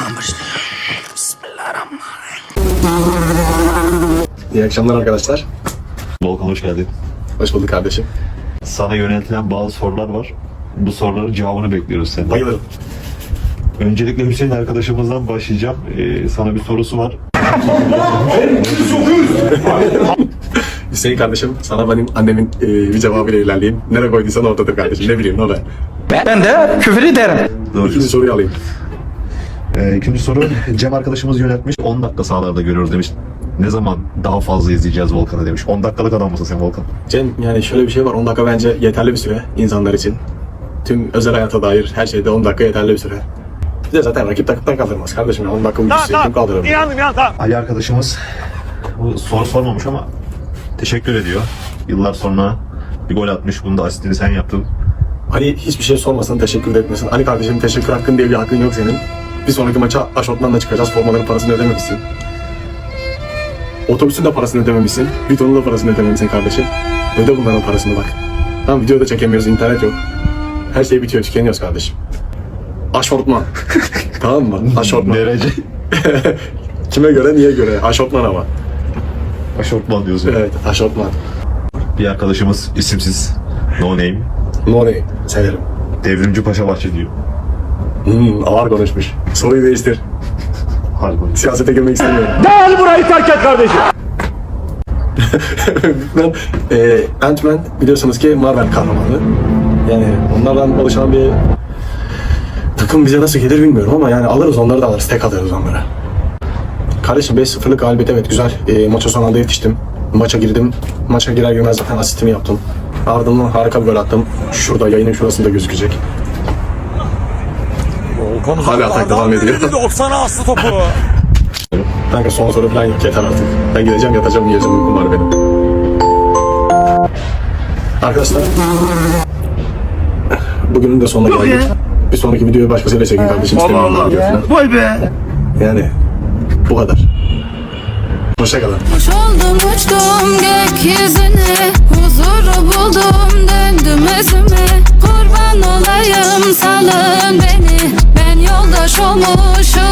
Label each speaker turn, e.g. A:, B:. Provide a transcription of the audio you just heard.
A: Allah'tan başlayalım. Bismillahirrahmanirrahim.
B: İyi akşamlar arkadaşlar.
C: Volkan hoş geldin.
B: Hoş bulduk kardeşim.
C: Sana yöneltilen bazı sorular var. Bu soruların cevabını bekliyoruz senden.
B: Bayılırım.
C: Öncelikle Hüseyin arkadaşımızdan başlayacağım. Sana bir sorusu var.
B: Hüseyin kardeşim, sana benim annemin bir cevabıyla ilerleyeyim. Nereye koyduysan oradadır kardeşim. Ne bileyim ne be.
D: Ben de küfür ederim.
C: Doğru.
B: İkinci soruyu alayım.
C: İkinci soru Cem arkadaşımız yöneltmiş. 10 dakika sahalarda görüyoruz demiş. Ne zaman daha fazla izleyeceğiz Volkan'ı demiş. 10 dakikalık adam mısın sen Volkan?
B: Cem, yani şöyle bir şey var. 10 dakika bence yeterli bir süre insanlar için. Tüm özel hayata dair her şeyde 10 dakika yeterli bir süre. Bir de zaten rakip takımdan kaldırmaz kardeşim. Ya. 10 dakika uykusu kim kaldırır?
C: Ali arkadaşımız bu soru sormamış ama teşekkür ediyor. Yıllar sonra bir gol atmış. Bunu da asistini sen yaptın.
B: Ali hiçbir şey sormasın, teşekkür de etmesin. Ali kardeşim, teşekkür hakkın diye bir hakkın yok senin. Bir sonraki maça aşortmanla çıkacağız. Formaların parasını ödememişsin. Otobüsün de parasını ödememişsin. Vitonun da parasını ödememişsin kardeşim. Öde bunların parasını bak. Tamam, video da çekemiyoruz, internet yok. Her şey bitiyor, tükeniyoruz kardeşim. Aşortman. Tamam mı? Aşortman.
C: Derece.
B: Kime göre, niye göre? Aşortman ama.
C: Aşortman diyorsun.
B: Evet, aşortman.
C: Bir arkadaşımız isimsiz. No name.
B: No name. Severim.
C: Devrimci Paşabahçe diyor.
B: Ağır konuşmuş. Soruyu değiştir.
C: Harbi.
B: Siyasete girmek istemiyorum.
D: Gel burayı terk et kardeşim.
B: Ben Ant-Man biliyorsunuz ki Marvel kahramanı. Yani onlardan oluşan bir takım bize nasıl gelir bilmiyorum ama yani alırız, onları da alırız. Tek alırız onları. Kardeşim 5-0'lık galibiyet, evet güzel. Maça son anda yetiştim. Maça girdim. Maça girer girmez zaten asistimi yaptım. Ardından harika bir gol attım. Şurada, yayının şurasında gözükecek. Hala atak devam ediyor.
D: 90 aslı topu.
B: Kanka son soru falan yok, yeter artık. Ben gideceğim, yatacağım, yiyeceğim, uykum var benim. Arkadaşlar, bugünün de sonuna geldik. Bir sonraki videoyu başkasıyla çekin kardeşim. Allah.
D: Vay be.
B: Yani bu kadar. Hoşçakalın.
E: Kuş oldum uçtum gökyüzüne, huzuru buldum döndüm özüme. Kurban olayım salın beni, ben yoldaş olmuşum